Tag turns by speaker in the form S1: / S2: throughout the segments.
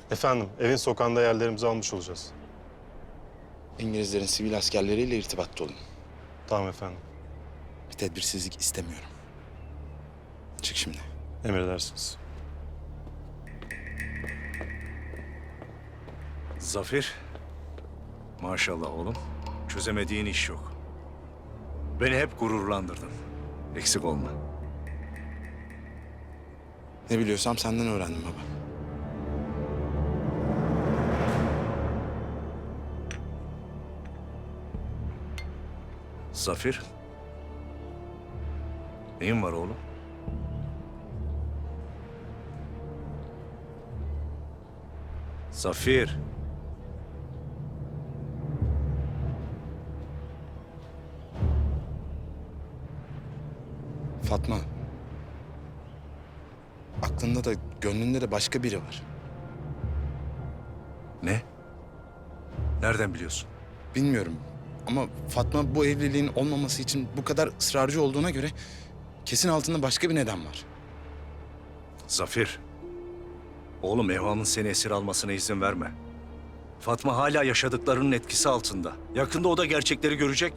S1: Efendim, evin sokağında yerlerimizi almış olacağız.
S2: İngilizlerin sivil askerleriyle irtibatta olun.
S1: Tamam efendim.
S2: Bir tedbirsizlik istemiyorum. Çık şimdi.
S1: Emredersiniz.
S3: Zafer, maşallah oğlum, çözemediğin iş yok. Beni hep gururlandırdın. Eksik olma.
S2: Ne biliyorsam senden öğrendim baba.
S3: Zafer, neyin var oğlum? Zafer.
S2: Fatma. Aklında da gönlünde de başka biri var.
S3: Ne? Nereden biliyorsun?
S2: Bilmiyorum ama Fatma bu evliliğin olmaması için bu kadar ısrarcı olduğuna göre kesin altında başka bir neden var.
S3: Zafer, oğlum Evham'ın seni esir almasına izin verme. Fatma hala yaşadıklarının etkisi altında. Yakında o da gerçekleri görecek.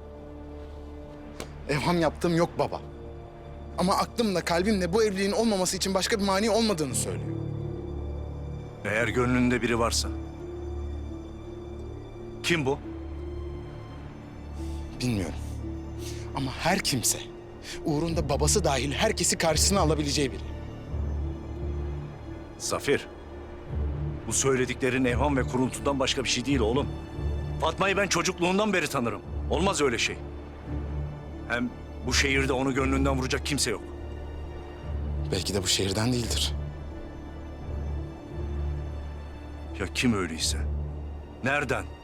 S2: Evham yaptığım yok baba. Ama aklımla kalbimle bu evliliğin olmaması için başka bir mani olmadığını söylüyor.
S3: Eğer gönlünde biri varsa. Kim bu?
S2: Bilmiyorum. Ama her kimse uğrunda babası dahil herkesi karşısına alabileceği biri.
S3: Zafer, bu söylediklerin evham ve kuruntudan başka bir şey değil oğlum. Fatma'yı ben çocukluğundan beri tanırım. Olmaz öyle şey. Hem bu şehirde onu gönlünden vuracak kimse yok.
S2: Belki de bu şehirden değildir.
S3: Ya kim öyleyse? Nereden?